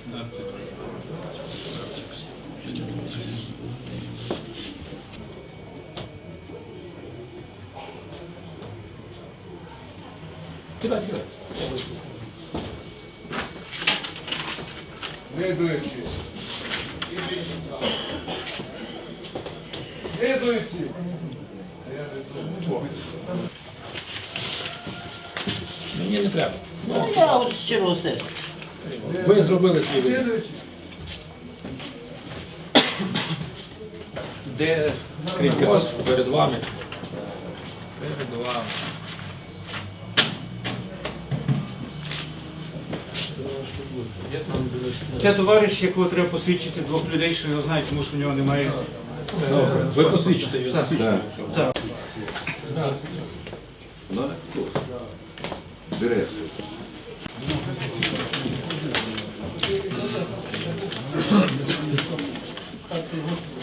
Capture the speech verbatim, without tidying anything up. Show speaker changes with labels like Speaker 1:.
Speaker 1: Кидай, кидай.
Speaker 2: Слідуючий. Слідуючий.
Speaker 1: Мені не треба.
Speaker 3: Ну, я ось щиро серця.
Speaker 1: Ви зробили свій вибір.
Speaker 2: Слідуючий.
Speaker 1: Де скринька? Ось перед вами.
Speaker 2: Перед вами.
Speaker 4: Це товариш, якого треба посвідчити двох людей, що його знають, тому що в нього немає.
Speaker 1: Добре. Ви посвідчите його, засвідчите.
Speaker 4: Так.
Speaker 2: Директор.